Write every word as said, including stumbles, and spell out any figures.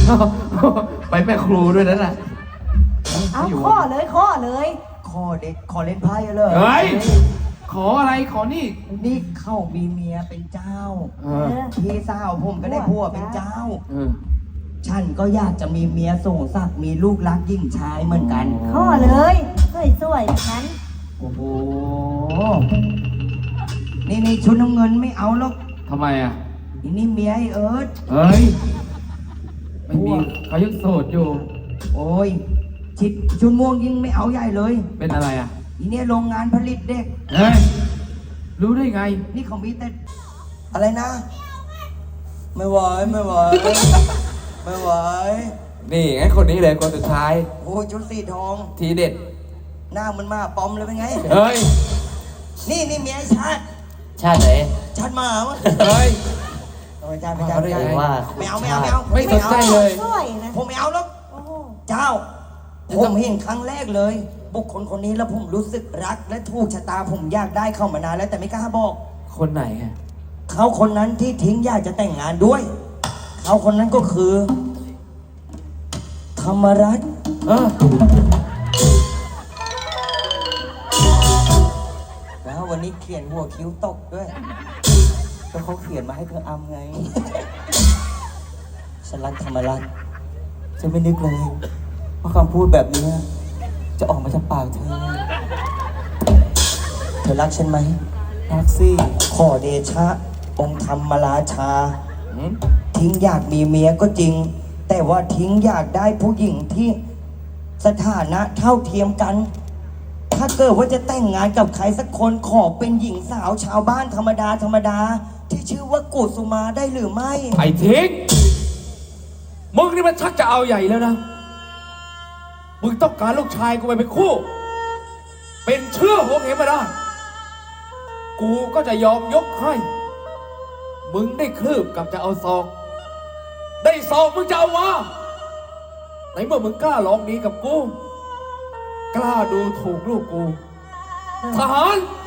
ไปแม่ครูด้วยนั่นน่ะเอาข้อเลยข้อเลยขอเด็กขอเล่นไพ่เลยเฮ้ยขออะไรขอนี่นี่เข้ามีเมียเป็นเจ้าเออพี่สาวผมก็ได้ผัวเป็นเจ้าเออฉันก็อยากจะมีเมียส่งสักดิ์มีลูกรักยิ่งชายเหมือนกันข้อเลยสวยๆแบบนั้นโอ้โห นี่นี่ชุดน้ำเงินไม่เอาหรอกทำไมอ่ะนี่นี่เมียไอ้เอิร์ธเฮ้ยไม่มีเขายังโสดอยู่โอ้ยชิดชุดม่วงยิ่งไม่เอาใหญ่เลยเป็นอะไรอ่ะอีเนี่ยโรงงานผลิตเด็กเฮ้ยรู้ได้ไงนี่เขามีแต่อะไรนะ ไม่ไหวไม่ไหวไม่ไหวนี่ไงคนนี้เลยคนสุดท้ายโอ้ยชุดสีทองทีเด็ดหน้ามันมาปอมเลยเป็นไงเฮ้ยนี่นี่เมียไอ้ชาติชาติไหนชาติหมาวะเฮ้ยไม่ใช่ไม่ใช่เอาไม่ได้ใช่ไงว่าไม่เอาไม่เอาไม่เอาไม่สนใจเลยสวยนะผมไม่เอาหรอกโอ้โหเจ้า ผมเห็นครั้งแรกเลย บุคคลคนนี้แล้วผมรู้สึกรักและถูกชะตาผมอยากได้เข้ามานานแล้วแต่ไม่กล้าบอกคนไหนอะเขาคนนั้นที่ทิ้งอยากจะแต่งงานด้วย เขาคนนั้นก็คือ ธรรมรัตน์เออแล้ววันนี้เขียนหัวคิ้วตกด้วยก็เขาเขียนมาให้เธออำไง ฉันรักธรรมรัตน์ฉันไม่นึกเลยว่าคำพูดแบบนี้จะออกมาจากปากเธอ เธอรักฉันไหมรักสิขอเดชะ องค์ธรรมราชาหืมทิ้งอยากมีเมียก็จริง แต่ว่าทิ้งอยากได้ผู้หญิงที่สถานะเท่าเทียมกัน ถ้าเกิดว่าจะแต่งงานกับใครสักคนขอเป็นหญิงสาวชาวบ้านธรรมดาธรรมดา ที่ชื่อว่ากุสุมาได้หรือไม่ไอ้ทิ้งมึงนี่มันชักจะเอาใหญ่แล้วนะ มึงต้องการลูกชายกูไปเป็นคู่ เป็นเชื่อหัวเหมมาได้ กูก็จะยอมยกให้ มึงได้คลืบกับจะเอาซอง ได้ซองมึงจะเอาวะไหนเมื่อมึงกล้าลองดีกับกู กล้าดูถูกลูกกู ทหาร